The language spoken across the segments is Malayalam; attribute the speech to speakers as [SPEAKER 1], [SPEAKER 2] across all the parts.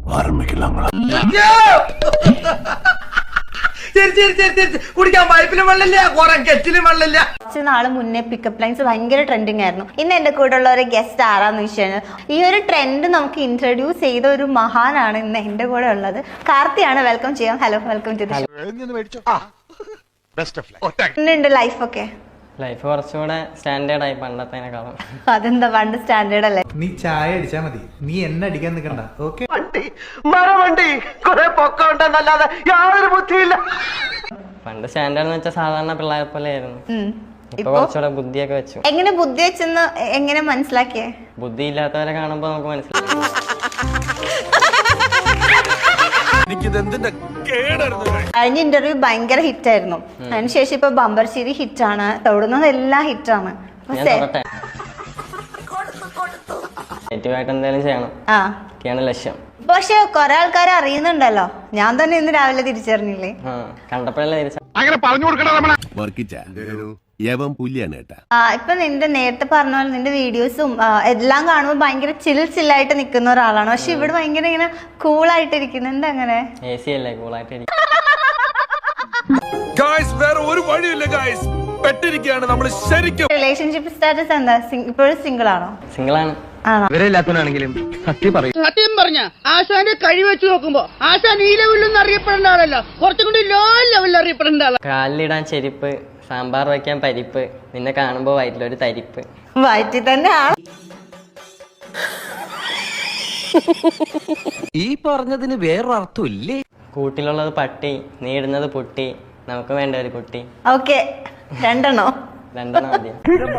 [SPEAKER 1] കുടിക്കാൻ പൈപ്പിലും വെള്ളമില്ല, കെറ്റിലും വെള്ളമില്ല.
[SPEAKER 2] കുറച്ച് നാള് മുന്നേ പിക്കപ്പ് ലൈൻസ് ഭയങ്കര ട്രെൻഡിങ് ആയിരുന്നു. ഇന്ന് എന്റെ കൂടെ ഉള്ള ഒരു ഗസ്റ്റ് ആരാന്ന് വെച്ചാൽ ഈ ഒരു ട്രെൻഡ് നമുക്ക് ഇൻട്രൊഡ്യൂസ് ചെയ്ത ഒരു മഹാനാണ് ഇന്ന് എന്റെ കൂടെ ഉള്ളത്. കാർത്തിയാണ്. വെൽക്കം ചെയ്യാം. ഹലോ, വെൽക്കം ടു ലൈഫൊക്കെ.
[SPEAKER 3] ലൈഫ് കുറച്ചുകൂടെ സ്റ്റാൻഡേർഡ് ആയി പണ്ടത്തേക്കാളും.
[SPEAKER 2] അതെന്താ പണ്ട് സ്റ്റാൻഡേർഡ് അല്ലേ?
[SPEAKER 4] നീ ചായ അടിച്ചാ മതി, നീ എന്നെ അടിക്കാൻ നിൽക്കണ്ട. ഓക്കെ,
[SPEAKER 1] വണ്ടി കുറെ പൊക്കമുണ്ടെന്നല്ലാതെ യാതൊരു ബുദ്ധിയില്ല.
[SPEAKER 3] പണ്ട് സ്റ്റാൻഡേർഡ് എന്ന് വെച്ചാൽ സാധാരണ പിള്ളേരെ പോലെ ആയിരുന്നു. ഇപ്പൊ കുറച്ചുകൂടെ ബുദ്ധിയൊക്കെ വെച്ചു.
[SPEAKER 2] എങ്ങനെ ബുദ്ധി വെച്ചെന്ന് എങ്ങനെ മനസ്സിലാക്കിയേ?
[SPEAKER 3] ബുദ്ധി ഇല്ലാത്തവരെ കാണുമ്പോ നമുക്ക് മനസ്സിലാവും.
[SPEAKER 2] കഴിഞ്ഞ ഇന്റർവ്യൂ ഭയങ്കര ഹിറ്റ് ആയിരുന്നു. അതിനുശേഷം ഇപ്പൊ ബമ്പർശ്ശേരി ഹിറ്റാണ്, തൊടുന്നത് എല്ലാം ഹിറ്റാണ്.
[SPEAKER 3] നെഗറ്റീവായിട്ട് എന്തെങ്കിലും ചെയ്യണം, ഒക്കെയാണ് ലക്ഷ്യം.
[SPEAKER 2] പക്ഷെ കൊറേ ആൾക്കാർ അറിയുന്നുണ്ടല്ലോ. ഞാൻ തന്നെ ഇന്ന് രാവിലെ തിരിച്ചറിഞ്ഞില്ലേ?
[SPEAKER 3] കണ്ടപ്പോഴല്ലേ തിരിച്ച.
[SPEAKER 2] ഇപ്പൊ നിന്റെ നേരത്തെ പറഞ്ഞ പോലെ നിന്റെ വീഡിയോസും എല്ലാം കാണുമ്പോൾ ഭയങ്കര ചില്ലായിട്ട് നിൽക്കുന്ന ഒരാളാണ്. പക്ഷെ ഇവിടെ ഭയങ്കര ഇങ്ങനെ കൂളായിട്ട് ഇരിക്കുന്നു. എന്താ അങ്ങനെ?
[SPEAKER 3] AC അല്ലേ, കൂളായിട്ട് ഇരിക്കും.
[SPEAKER 2] റിലേഷൻഷിപ്പ് സ്റ്റാറ്റസ് എന്താ? ഇപ്പോഴും സിംഗിൾ ആണോ?
[SPEAKER 3] സിംഗിൾ ആണ്.
[SPEAKER 1] ഇവരെല്ലാത്തവനാണെങ്കിലും സത്യം
[SPEAKER 5] പറഞ്ഞ ആശാന്റെ കഴിവ് വെച്ച് നോക്കുമ്പോ ആശാൻ ഈ ലെവലിലൊന്നും അറിയപ്പെടേണ്ട ആളല്ല, കുറച്ചും കൂടി ലോ ലെവലിൽ അറിയപ്പെടേണ്ട ആളാണ്.
[SPEAKER 3] കാലിലിടാൻ ചെരുപ്പ്, സാമ്പാർ വയ്ക്കാൻ പരിപ്പ്, നിന്നെ കാണുമ്പോ വയറ്റിലൊരു തരിപ്പ്.
[SPEAKER 2] വയറ്റിൽ തന്നെ
[SPEAKER 1] ഈ പറഞ്ഞതിന് വേറൊരർത്ഥം ഇല്ലേ?
[SPEAKER 3] കൂട്ടിലുള്ളത് പട്ടി, നീ ഇടുന്നത് പൊട്ടി, നമുക്ക് വേണ്ട ഒരു കുട്ടി.
[SPEAKER 2] ഓക്കെ, രണ്ടെണ്ണോ?
[SPEAKER 3] രണ്ടെണ്ണം മതി.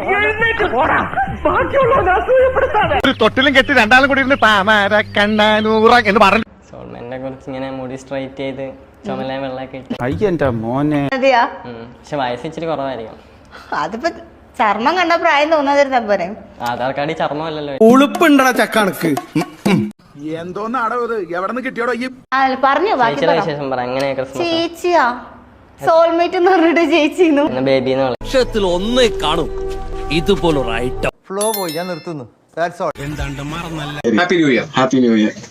[SPEAKER 4] തൊട്ടിലും കെട്ടി രണ്ടാളും കൂടി ഇരുന്ന് താമര കണ്ണൂറ എന്ന് പറഞ്ഞു.
[SPEAKER 3] സോൾമെന്റിനെ കുറിച്ച് ഇങ്ങനെ മുടി സ്ട്രൈറ്റ് ചെയ്ത് ചുമല വെള്ളമൊക്കെ ഇട്ട്.
[SPEAKER 2] അതെയാ?
[SPEAKER 3] പക്ഷെ വയസ്സ് ഇച്ചിരി കുറവായിരിക്കും.
[SPEAKER 2] അതിപ്പോ ചർമ്മം കണ്ട പ്രായം തോന്നാതിരുന്നാ പോരെ.
[SPEAKER 3] ആധാർ കാർഡ് ചർമ്മമല്ലല്ലോ.
[SPEAKER 4] ഉളുപ്പുണ്ടടാ ചക്കാണക്ക്. എന്തോന്നാടോ ഇത്, എവിടെ നിന്ന് കിട്ടിയോടോ ഈ?
[SPEAKER 2] പറഞ്ഞു ബാക്കി
[SPEAKER 3] വിശേഷം പറ. എങ്ങനെ ക്രിസ്മസ്?
[SPEAKER 2] ചേച്ചിയാ സോൾമേറ്റ് എന്ന് പറഞ്ഞിട്ട് ചേച്ചിന്നു
[SPEAKER 3] ബേബിന്ന് വിളിക്കും.
[SPEAKER 6] ലക്ഷത്തിൽ ഒന്നേ കാണും ഇതുപോലൊരു ഐറ്റം.
[SPEAKER 1] ഫ്ലോ പോയി, ഞാൻ നിർത്തുന്നു.
[SPEAKER 7] Happy new year.